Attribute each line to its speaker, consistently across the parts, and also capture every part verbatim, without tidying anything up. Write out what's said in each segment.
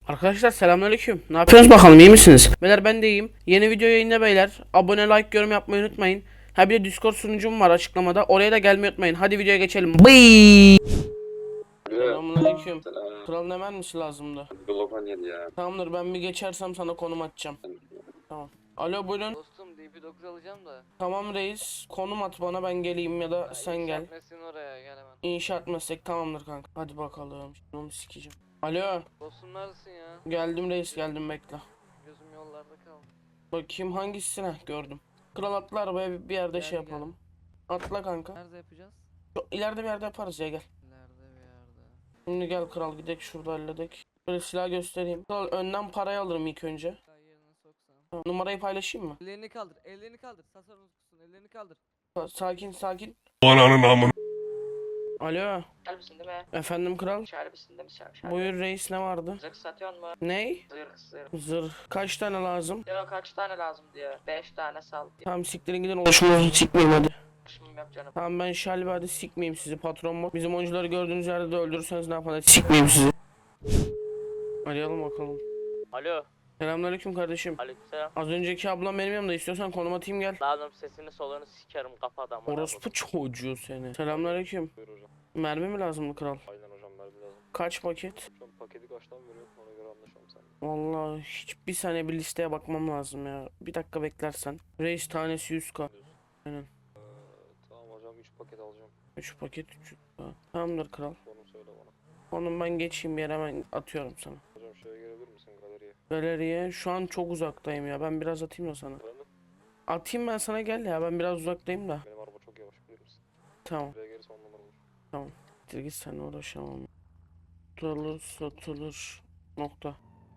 Speaker 1: Arkadaşlar selamünaleyküm. Ne yapıyorsunuz bakalım, iyi misiniz? Beyler ben de iyiyim. Yeni video yayında beyler. Abone, like, yorum yapmayı unutmayın. Ha bir de Discord sunucum var açıklamada. Oraya da gelmeyi unutmayın. Hadi videoya geçelim. Bıy. Selamünaleyküm.
Speaker 2: Selam.
Speaker 1: Kralın hemen misin lazımdı?
Speaker 2: Globan yedi ya.
Speaker 1: Tamamdır, ben bir geçersem sana konum atacağım. Tamam. Alo buyurun.
Speaker 3: Dostum D P dokuz alacağım da.
Speaker 1: Tamam reis. Konum at bana, ben geleyim ya da
Speaker 3: Ya
Speaker 1: sen gel.
Speaker 3: Mesin oraya gel hemen.
Speaker 1: İnşaat meslek tamamdır kanka. Hadi bakalım. Şimdi onu sikeceğim. Alo.
Speaker 3: Dostum neredesin ya?
Speaker 1: Geldim reis, geldim, bekle.
Speaker 3: Gözüm yollarda kaldı.
Speaker 1: Bakayım hangisine gördüm. Kral atla arabaya, bir bir yerde
Speaker 3: Gel,
Speaker 1: şey
Speaker 3: gel.
Speaker 1: yapalım. Atla kanka.
Speaker 3: Nerede yapacağız?
Speaker 1: Şu ileride bir yerde yaparız ya, gel.
Speaker 3: Nerede bir yerde.
Speaker 1: Şimdi gel kral, gidek şurada halledek. Böyle silah göstereyim. Kral önden parayı alırım ilk önce.
Speaker 3: Daha yerine soksam.
Speaker 1: Tamam, numarayı paylaşayım mı?
Speaker 3: Ellerini kaldır, ellerini kaldır. Sasar unutkusun, ellerini kaldır.
Speaker 1: Sa- Sakin sakin.
Speaker 4: Ananın amına.
Speaker 1: Alo.
Speaker 5: Şarbisin değil mi?
Speaker 1: Efendim kral.
Speaker 5: Şarbisin değil mi? Şarbi, şarbi.
Speaker 1: Buyur reis, ne vardı?
Speaker 5: Zırh satıyorsun mu?
Speaker 1: Ney?
Speaker 5: Zırh zırh.
Speaker 1: Zırh. Kaç tane lazım?
Speaker 5: Diyor kaç tane lazım diyor. Beş tane sal diyor.
Speaker 1: Tamam siktirin gidin, oluşumuzu sikmeyeyim hadi.
Speaker 5: Şimdi yok canım.
Speaker 1: Tamam ben şalbi, hadi sikmeyeyim sizi patron mu? Bizim oyuncuları gördüğünüz yerde de öldürürseniz ne yapalım, hadi sikmeyeyim sizi. Arayalım bakalım.
Speaker 6: Alo,
Speaker 1: Selamünaleyküm kardeşim.
Speaker 6: aleykümselam.
Speaker 1: Az önceki ablam benim yanımda, istiyorsan konum atayım gel.
Speaker 6: Lazım sesini soluğunu sikerim kafa adamı.
Speaker 1: Orospu çocuğu seni. Selamünaleyküm.
Speaker 2: Buyur hocam.
Speaker 1: Mermi mi lazımdı kral?
Speaker 2: Aynen hocam, mermi lazım.
Speaker 1: Kaç paket?
Speaker 2: Şu an paketi kaçtan veriyorum, ona göre anlaşalım seninle.
Speaker 1: Vallahi hiç bir saniye bir listeye bakmam lazım ya. Bir dakika beklersen. Reis tanesi yüz k. Aynen.
Speaker 2: Ee, tamam hocam, üç paket alacağım.
Speaker 1: üç paket üç yüz k. Tamamdır kral.
Speaker 2: Konum söyle bana.
Speaker 1: Onun ben geçeyim bir yere, hemen atıyorum sana.
Speaker 2: Hocam şuraya gelebilir misin, galeriye?
Speaker 1: Galeriye şu an çok uzaktayım ya. Ben biraz atayım da sana.
Speaker 2: Efendim?
Speaker 1: Atayım ben sana, gel ya. Ben biraz uzaktayım da.
Speaker 2: Benim araba çok yavaş, bilir misin?
Speaker 1: Tamam.
Speaker 2: Buraya gelirse on numara olur.
Speaker 1: Git git, seninle uğraşamam. Tutulur satılır. Nokta.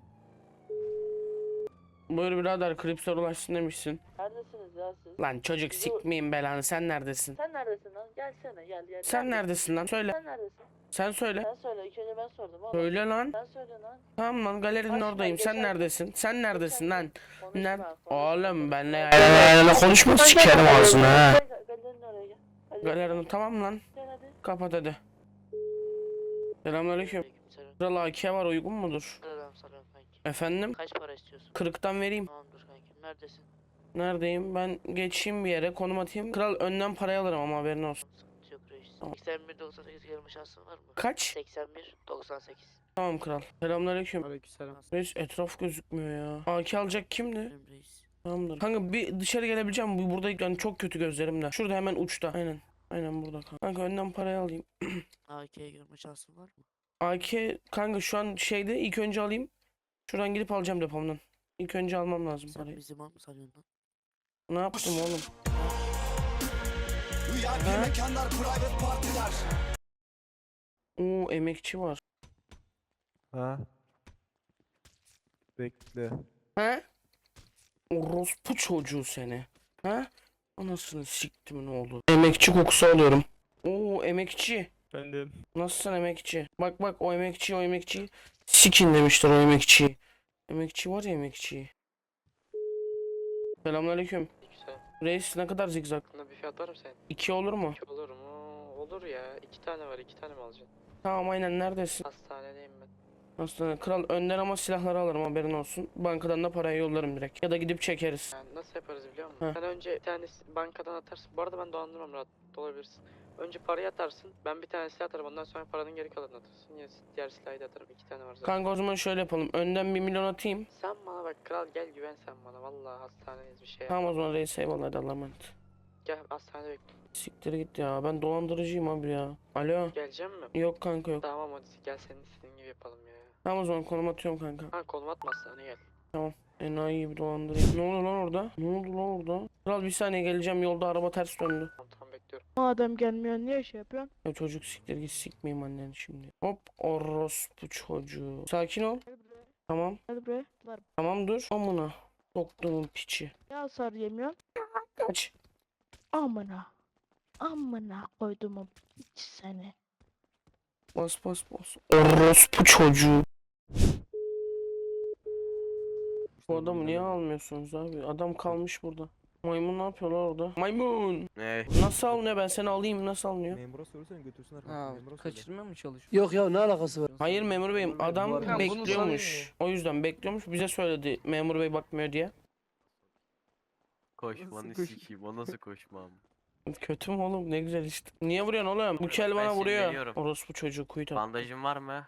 Speaker 1: Buyur birader, Krips'e ulaşsın demişsin.
Speaker 5: Neredesiniz ya siz?
Speaker 1: Lan çocuk, sikmeyeyim belanı, sen neredesin?
Speaker 5: Sen neredesin lan? Gelsene gel gel.
Speaker 1: Sen neredesin lan? Söyle.
Speaker 5: Sen neredesin?
Speaker 1: Sen söyle.
Speaker 5: Sen söyle. İlk önce ben sordum oğlum.
Speaker 1: Söyle lan.
Speaker 5: Sen söyle lan.
Speaker 1: Tamam lan, galerinin
Speaker 5: Başla,
Speaker 1: oradayım. Sen
Speaker 5: geçen-
Speaker 1: neredesin? Sen neredesin lan?
Speaker 5: Konuşma,
Speaker 1: Nerede?
Speaker 5: konuşma.
Speaker 1: Oğlum benle yayla konuşma, sikerim ağzını ha.
Speaker 5: Gel, galerinin oraya gel. Hadi.
Speaker 1: Galerinin tamam lan.
Speaker 5: Gel hadi.
Speaker 1: Kapat hadi. Selamünaleyküm.
Speaker 3: Aleykümselam.
Speaker 1: Kral A K var, uygun mudur?
Speaker 3: Selam selam kanki.
Speaker 1: Efendim?
Speaker 3: Kaç para istiyorsun?
Speaker 1: kırktan vereyim.
Speaker 3: Tamamdır kanki. Neredesin?
Speaker 1: Neredeyim? Ben geçeyim bir yere, konum atayım. Kral önden parayı alırım ama haberin olsun.
Speaker 3: Sıkıntı yok reis.
Speaker 1: Tamam.
Speaker 3: seksen bir doksan sekiz gelme şansın var mı?
Speaker 1: Kaç?
Speaker 3: seksen bir doksan sekiz.
Speaker 1: Tamam kral. Selamünaleyküm.
Speaker 3: Aleykümselam.
Speaker 1: Reis etraf gözükmüyor ya. A K alacak kimdi?
Speaker 3: Benim reis.
Speaker 1: Tamamdır. Kanka bir dışarı gelebileceğim. Bu burada yani çok kötü gözlerimde. Şurada hemen uçta. Aynen. Aynen burada kanka. Kanka önden parayı alayım.
Speaker 3: A K'ye görme şansın var mı?
Speaker 1: A K kanka şu an şeyde, ilk önce alayım. Şuradan gidip alacağım depomdan. İlk önce almam lazım
Speaker 3: Sen
Speaker 1: parayı.
Speaker 3: bizi mal mı sanıyorsun lan?
Speaker 1: Ne yaptım oğlum?
Speaker 7: V I P
Speaker 1: Ha?
Speaker 7: mekanlar, private partiler.
Speaker 1: Oo, emekçi var.
Speaker 8: Ha? Bekle.
Speaker 1: He? Orospu çocuğu seni. He? Anasını siktimin oğlu. Emekçi kokusu alıyorum. Oo, emekçi.
Speaker 8: Efendim.
Speaker 1: Nasılsın emekçi? Bak bak, o emekçi o emekçi. Sikin demişler o emekçiyi. Emekçi var ya, emekçi. Selamünaleyküm.
Speaker 9: Güzel.
Speaker 1: Reis ne kadar zigzag?
Speaker 9: Buna bir fiyat var mı senin?
Speaker 1: İki olur mu?
Speaker 9: İki olur mu? Olur ya. İki tane var. İki tane mi alacaksın?
Speaker 1: Tamam aynen, neredesin?
Speaker 9: Hastanedeyim ben.
Speaker 1: Aslında kral önden ama silahları alırım, haberin olsun. Bankadan da parayı yollarım direkt. Ya da gidip çekeriz.
Speaker 9: Yani nasıl yaparız biliyor musun?
Speaker 1: Heh.
Speaker 9: Sen önce bir tane bankadan atarsın. Bu arada ben dolandırmam, rahat olabilirsin. Önce parayı atarsın. Ben bir tane silah atarım. Ondan sonra paranın geri kalanını atarsın. Yine diğer silahı da atarım. İki tane var zaten.
Speaker 1: Kanka o zaman şöyle yapalım. Önden bir milyon atayım.
Speaker 9: Sen bana bak kral, gel güven sen bana. Vallahi hastanedeyiz, bir şey
Speaker 1: Tamam o
Speaker 9: yapma.
Speaker 1: zaman reis, eyvallah, hadi Allah'a emanet.
Speaker 9: Gel hastanede bekle.
Speaker 1: Siktir git ya, ben dolandırıcıyım abi ya. Alo.
Speaker 9: Geleceğim mi?
Speaker 1: Yok kanka yok.
Speaker 9: Tamam hadi gel, senin istediğin gibi yapalım ya.
Speaker 1: Tamam o zaman konum atıyorum kanka.
Speaker 9: Ha, kolum atma, hastaneye gel.
Speaker 1: Enayi gibi dolandırayım. Ne oldu lan orada? Ne oldu lan orada? Kral bir saniye geleceğim, yolda araba ters döndü.
Speaker 9: Tamam tamam, bekliyorum.
Speaker 5: Madem gelmiyor niye şey yapıyorsun?
Speaker 1: Ya çocuk siktir git, sikmeyeyim anneni şimdi. Hop, orospu çocuğu. Sakin ol.
Speaker 5: Gel buraya.
Speaker 1: Tamam.
Speaker 5: Gel buraya. Var.
Speaker 1: Tamam dur. Amına. Soktuğumun piçi.
Speaker 5: Ne hasar yemiyorsun?
Speaker 1: Kaç.
Speaker 5: Amına. Amına koyduğumu hiç seni.
Speaker 1: Bas bas bas. Orospu çocuğu. Bu adamı niye almıyorsunuz abi? Adam kalmış burada. Maymun ne yapıyor lan orada? Maymun.
Speaker 2: Ne?
Speaker 1: Nasıl alınıyor? Ben seni alayım. Nasıl alınıyor?
Speaker 8: Memura söylesene götürsünler. kanka,
Speaker 4: Ha,
Speaker 8: memura söyle.
Speaker 4: kaçırmaya mı çalışıyor?
Speaker 10: Yok ya ne alakası var?
Speaker 1: Hayır memur beyim. Adam
Speaker 4: Tamam, bunu
Speaker 1: bekliyormuş. O yüzden bekliyormuş. Bize söyledi memur bey bakmıyor diye.
Speaker 2: Koşmanı
Speaker 4: koş-
Speaker 2: sikeyim. O nasıl koşmam?
Speaker 1: Kötü mü oğlum? Ne güzel işte. Niye vuruyorsun oğlum? Bu kel bana
Speaker 2: Ben
Speaker 1: vuruyor.
Speaker 2: sinirleniyorum.
Speaker 1: Orospu çocuğu kuytu.
Speaker 2: Bandajın var mı?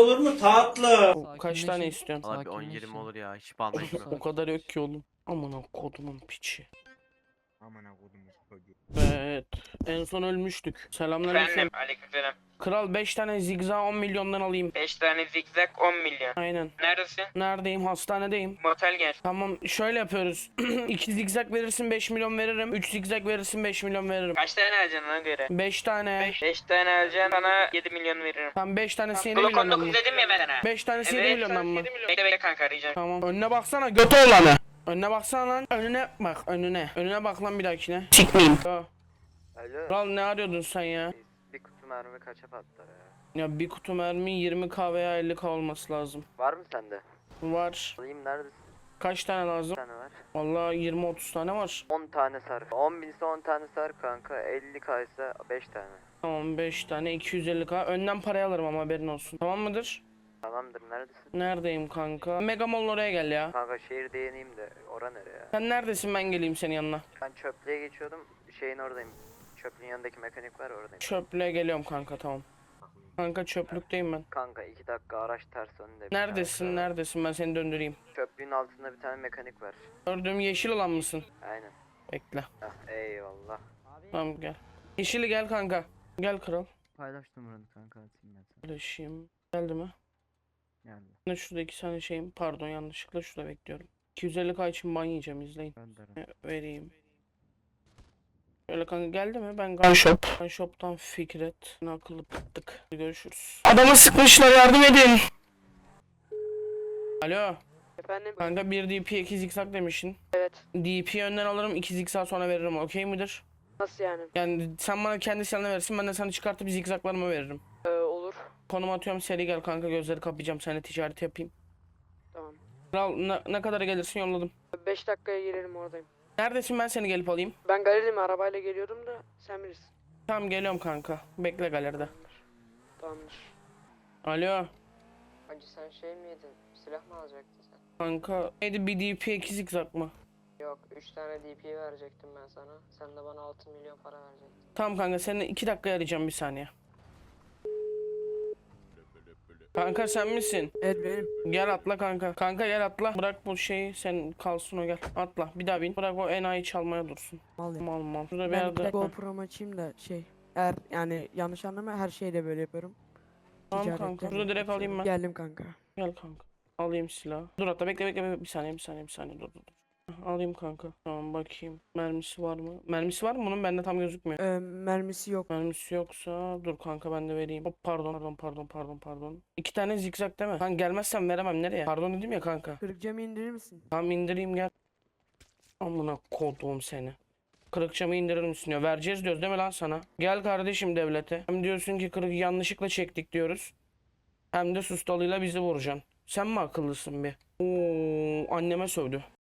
Speaker 1: Kaç tane istiyorsun?
Speaker 2: Valla bir on
Speaker 4: Sakinleşin.
Speaker 2: yirmi olur ya. Hiç bandajım yok.
Speaker 1: O kadar yok ki oğlum. Aman kodumun piçi.
Speaker 8: Aman akodum çocuğu.
Speaker 1: Evet. En son ölmüştük. Selamünaleyküm.
Speaker 11: Efendim, aleykümselam.
Speaker 1: Kral beş tane zigzag on milyondan alayım.
Speaker 11: beş tane zigzag on milyon.
Speaker 1: Aynen.
Speaker 11: Neredesin?
Speaker 1: Neredeyim? Hastanedeyim.
Speaker 11: Motel gel.
Speaker 1: Tamam şöyle yapıyoruz. iki zigzag verirsin beş milyon veririm. üç zigzag verirsin beş milyon veririm.
Speaker 11: Kaç tane alacaksın ona göre?
Speaker 1: beş tane.
Speaker 11: beş tane alacaksın, sana yedi milyon veririm.
Speaker 1: Tam beş tanesi yedi
Speaker 11: Glock on
Speaker 1: milyondan mı?
Speaker 11: dokuz dedim ya ben sana.
Speaker 1: beş tanesi yedi
Speaker 11: Evet,
Speaker 1: milyondan mı?
Speaker 11: Bekle bekle kanka, arayacağım.
Speaker 1: Tamam. Önüne baksana götü olanı. Önüne baksana lan. Önüne bak önüne. Önüne bak lan bir dahakine. Sikmeyeyim. Tamam.
Speaker 2: Alo.
Speaker 1: Kral ne arıyordun sen ya?
Speaker 2: Bir kutu mermi kaça patlar ya?
Speaker 1: Ya bir kutu mermi yirmi K veya elli K olması lazım.
Speaker 2: Var mı sende?
Speaker 1: Var.
Speaker 2: Alayım, neredesin?
Speaker 1: Kaç tane lazım?
Speaker 2: Bir tane var.
Speaker 1: Vallahi yirmi otuz tane var.
Speaker 2: on tane sar. on binse on tane sar kanka. elli k ise beş tane.
Speaker 1: Tamam beş tane iki yüz elli K. Önden parayı alırım ama haberin olsun. Tamam mıdır?
Speaker 2: Tamamdır, neredesin?
Speaker 1: Neredeyim kanka? Mega Mall'un oraya gel ya.
Speaker 2: Kanka şehirde yeneyim de ora nereye ya?
Speaker 1: Sen neredesin ben geleyim senin yanına.
Speaker 2: Ben çöplüğe geçiyordum. Şeyin oradayım. Çöplüğün yanındaki mekanik var, oradayım.
Speaker 1: Çöplüğe geliyorum kanka tamam. Kanka çöplükteyim ben.
Speaker 2: Kanka iki dakika araç ters önünde. bir
Speaker 1: Neredesin
Speaker 2: tane.
Speaker 1: neredesin ben seni döndüreyim.
Speaker 2: Çöplüğün altında bir tane mekanik var.
Speaker 1: Gördüğüm yeşil olan mısın?
Speaker 2: Aynen.
Speaker 1: Bekle.
Speaker 2: Heh, eyvallah.
Speaker 1: Tamam gel. Yeşili gel kanka. Gel kral.
Speaker 4: Paylaş numaranı kanka, atayım ben sana.
Speaker 1: Paylaşayım. Geldi mi?
Speaker 4: Geldi.
Speaker 1: Ne şurada iki tane şeyim. Pardon yanlışlıkla şurada bekliyorum. iki yüz elli K için ban yiyeceğim izleyin.
Speaker 4: Gönder.
Speaker 1: E, Vereyim. Şöyle kanka geldi mi? Ben Gun Shop. Gun Shop'tan Fikret. Ne akıllı pıttık. Görüşürüz. Adamı sıkmışlar yardım edin. Alo.
Speaker 9: Efendim?
Speaker 1: Kanka bir D P iki zikzak demişsin.
Speaker 9: Evet.
Speaker 1: D P önden alırım iki zikzak sonra veririm okey midir?
Speaker 9: Nasıl yani?
Speaker 1: Yani sen bana kendi silahını verirsin ben de sana çıkartıp zikzaklarımı veririm.
Speaker 9: Ee, olur.
Speaker 1: Konum atıyorum seri gel kanka gözleri kapayacağım seninle ticaret yapayım.
Speaker 9: Tamam.
Speaker 1: Kral ne, ne kadar gelirsin yolladım.
Speaker 9: beş dakikaya gelirim, oradayım.
Speaker 1: Neredesin ben seni gelip alayım.
Speaker 9: Ben galeriyim, arabayla geliyordum da sen bilirsin.
Speaker 1: Tamam geliyorum kanka. Bekle galeride.
Speaker 9: Tamamdır.
Speaker 1: Alo.
Speaker 3: Hacı sen şey mi yedin? Silah mı alacaktın sen?
Speaker 1: Kanka neydi bir D P iki zikzak mı?
Speaker 3: Yok, üç tane D P verecektim ben sana. Sen de bana altı milyon para verecektin.
Speaker 1: Tamam kanka seni iki dakika arayacağım bir saniye. Kanka sen misin?
Speaker 4: Evet benim.
Speaker 1: Gel atla kanka. Kanka gel atla. Bırak bu şeyi sen kalsın o gel. Atla bir daha bin. Bırak o enayi çalmaya dursun.
Speaker 4: Mal ya.
Speaker 1: Mal mal. Şurada bir
Speaker 4: Ben bir
Speaker 1: yerde.
Speaker 4: de
Speaker 1: Heh.
Speaker 4: GoPro'mu açayım da şey. Eğer yani yanlış anlama, her şeyde böyle yapıyorum.
Speaker 1: Tamam
Speaker 4: Ticarette
Speaker 1: kanka.
Speaker 4: de
Speaker 1: Şurada direkt
Speaker 4: yapıyorum.
Speaker 1: alayım ben.
Speaker 4: Geldim kanka.
Speaker 1: Gel kanka. Alayım silahı. Dur hatta bekle bekle bekle. Bir saniye bir saniye bir saniye dur dur dur. Heh, alayım kanka. Tamam bakayım. Mermisi var mı? Mermisi var mı bunun? Bende tam gözükmüyor.
Speaker 4: Ee, mermisi yok.
Speaker 1: Mermisi yoksa dur kanka ben de vereyim. Hop pardon pardon pardon pardon pardon. İki tane zikzak değil mi? Kanka gelmezsem veremem nereye? Pardon dedim ya kanka.
Speaker 4: Kırık camı indirir misin?
Speaker 1: Tamam indireyim gel. Amına kodum seni. Kırık camı indirir misin diyor. Vereceğiz diyoruz değil mi lan sana? Gel kardeşim devlete. Hem diyorsun ki kırık yanlışlıkla çektik diyoruz. Hem de sustalıyla bizi vuracaksın. Sen mi akıllısın bir? Oo, anneme sövdü.